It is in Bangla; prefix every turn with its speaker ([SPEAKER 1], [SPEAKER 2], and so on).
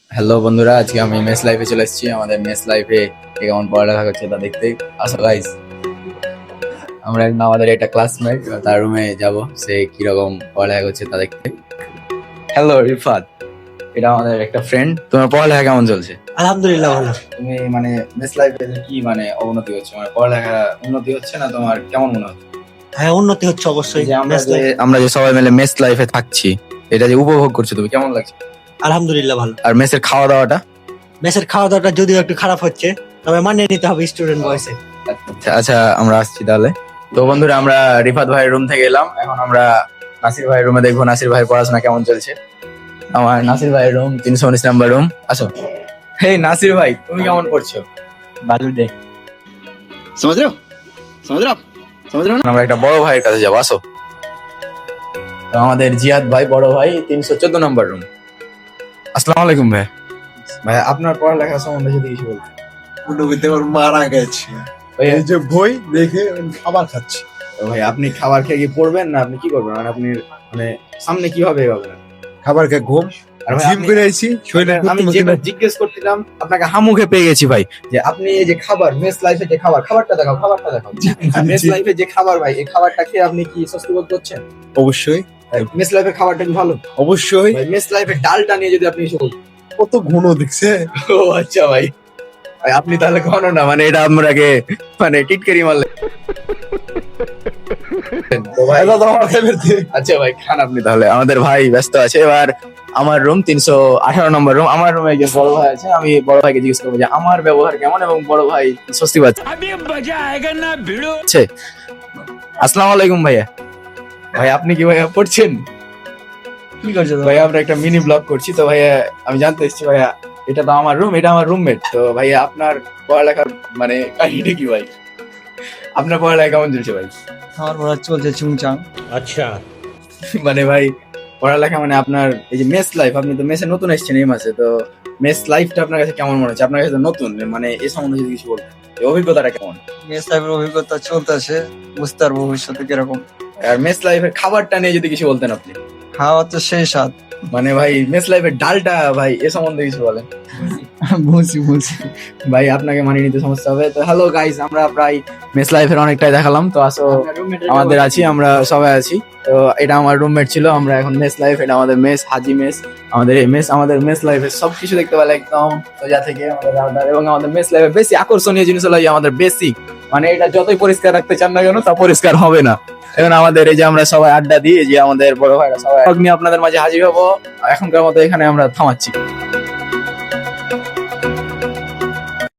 [SPEAKER 1] হ্যালো বন্ধুরা, আজকে আমি মেস লাইফে চলে এসেছি। আমাদের মেস লাইফে কেমন পড়ালেখা করছে তা দেখতে আসো গাইস। আমরা আমাদের একটা ক্লাসমেট, তার রুমে যাব, সে কিরকম পড়ালেখা করছে তা দেখতে। হ্যালো রিফাত, এটা আমাদের একটা ফ্রেন্ড। তোমার পড়ালেখা কেমন চলছে?
[SPEAKER 2] আলহামদুলিল্লাহ ভালো।
[SPEAKER 1] তুমি মানে মেস লাইফে কি মানে অবনতি হচ্ছে, মানে পড়ালেখা উন্নতি হচ্ছে না তোমার, কেমন মনে হচ্ছে?
[SPEAKER 2] হ্যাঁ, উন্নতি হচ্ছে অবশ্যই।
[SPEAKER 1] এই যে আমরা যে সবাই মিলে মেস লাইফে থাকছি, এটা যে উপভোগ করছো তুমি, কেমন লাগছে?
[SPEAKER 2] আলহামদুলিল্লাহ ভালো।
[SPEAKER 1] আর মেসের খাওয়া দাওয়াটা?
[SPEAKER 2] মেসের খাওয়া দাওয়াটা যদিও একটু খারাপ হচ্ছে, তবে মানিয়ে নিতে হবে স্টুডেন্ট বয়সে।
[SPEAKER 1] আচ্ছা আচ্ছা, আমরা আসছি তাহলে। তো বন্ধুরা, আমরা রিফাত ভাইয়ের রুম থেকে এলাম, এখন আমরা নাসির ভাইয়ের রুমে দেখবো নাসির ভাইয়ের পড়াশোনা কেমন চলছে। আমার নাসির ভাইয়ের রুম 319 নাম্বার রুম। আসো। হেই নাসির ভাই, তুমি কেমন পড়ছো?
[SPEAKER 2] ভালো দে।
[SPEAKER 3] समझ रहे हो समझ रहे हो आप समझ रहे हो ना।
[SPEAKER 1] আমরা একটা বড় ভাইয়ের কাছে যাবো, আসো। তো আমাদের জিয়াদ ভাই, বড় ভাই, 314 নাম্বার রুম। আসসালামু আলাইকুম ভাই। ভাই আপনার পড়ালেখা সম্বন্ধে যদি কিছু বলতেন।
[SPEAKER 4] নবীতে ওর মারা গেছে,
[SPEAKER 1] ভাই,
[SPEAKER 4] এই যে বই দেখে আমি খাবার খাচ্ছি।
[SPEAKER 1] তো ভাই আপনি খাবার খেয়ে কি পড়বেন না আপনি কি করবেন, মানে আপনি মানে সামনে কিভাবে এগোবেন?
[SPEAKER 4] খাবার খেয়ে ঘুম,
[SPEAKER 1] আর ভাই
[SPEAKER 4] জিম
[SPEAKER 1] আপনি-
[SPEAKER 4] করে আইছি শরীরে
[SPEAKER 1] আমি যেটা জিজ্ঞেস করছিলাম আপনাকে হামুখে পেয়ে গেছি ভাই, যে আপনি এই যে খাবার মেস লাইফে যে খাবারটা দেখাও, খাবারটা দেখাও। মেস লাইফে যে খাবার ভাই, এই খাবারটা খেয়ে আপনি কি স্বস্তি বোধ করছেন?
[SPEAKER 4] অবশ্যই
[SPEAKER 1] মেস লাইফের খাবারটা কি ভালো?
[SPEAKER 4] অবশ্যই।
[SPEAKER 1] ভাই মেস লাইফের ডালটা নিয়ে যদি আপনি কিছু বলতেন।
[SPEAKER 4] কত ঘন দেখছে।
[SPEAKER 1] ও আচ্ছা ভাই, ভাই আপনি তাহলে কোনো না, মানে এটা আমরাকে মানে টিটকারি মারলেন। তো ভাই
[SPEAKER 4] এটা তো আমার ফেভারিট।
[SPEAKER 1] আচ্ছা ভাই খান আপনি তাহলে, আমাদের ভাই ব্যস্ত আছে। এবার আমার রুম 318 নম্বর রুম। আমার রুমে যে বড় ভাই আছে, আমি বড় ভাইকে জিজ্ঞেস করবো যে আমার ব্যবহার কেমন এবং বড় ভাই স্বস্তি পাচ্ছে। আসসালামু আলাইকুম ভাইয়া। ভাই আপনি কি ভাইয়া পড়ছেন?
[SPEAKER 2] কি করছো
[SPEAKER 1] ভাইয়া আমরা একটা মিনি ব্লগ করছি, তো ভাইয়া আমি জানতে এসেছি ভাইয়া, এটা তো আমার রুম, এটা আমার রুমমেট। তো ভাইয়া আপনার পড়ালেখার মানে কাহিনীটা কি ভাই? আপনার পড়ালেখা কেমন চলছে ভাই?
[SPEAKER 2] আমার পড়া চলছে চুংচাং।
[SPEAKER 1] মানে ভাই পড়ালেখা মানে আপনার এই যে মেস লাইফ, আপনি তো মেসে নতুন এসেছেন এই মাসে, তো মেস লাইফটা আপনার কাছে কেমন মনে হচ্ছে? আপনার কাছে তো নতুন, মানে এই সম্বন্ধে যদি কিছু বলতেন, এই অভিজ্ঞতাটা কেমন?
[SPEAKER 5] মেস লাইফের অভিজ্ঞতা চলতেছে, বুঝতে পারবো ভবিষ্যতে কিরকম।
[SPEAKER 1] আর মেস লাইফের খাবারটা নিয়ে যদি কিছু বলতেন আপনি।
[SPEAKER 5] খাওয়া তো সেই স্বাদ।
[SPEAKER 1] মানে ভাই মেস লাইফের ডালটা ভাই, এ সম্বন্ধে কিছু বলেন।
[SPEAKER 5] বুঝছি।
[SPEAKER 1] ভাই আপনাকে মানিয়ে নিতে সমস্যা হবে। তো হ্যালো গাইস, আমরা প্রায় মেস লাইফের অনেকটাই দেখালাম, তো আসো আমাদের আছি, আমরা সবাই আছি। তো এটা আমার রুমমেট ছিল, আমরা এখন মেস লাইফ, এটা আমাদের মেস, হাজি মেস। আমাদের এই মেস, আমাদের মেস লাইফের সবকিছু দেখতে পেলে একদম সোজা থেকে আমাদের রাউটার, এবং আমাদের মেস লাইফের বেশি আকর্ষণীয় জিনিস হলো এই আমাদের বেসিক, মানে এটা যতই পরিষ্কার রাখতে চান না কেন তা পরিষ্কার হবে না। এখন আমাদের এই যে আমরা সবাই আড্ডা দিই, এই যে আমাদের বড় ভাইরা সবাই নিয়ে আপনাদের মাঝে হাজির হবো। এখনকার মতো এখানে আমরা থামাচ্ছি।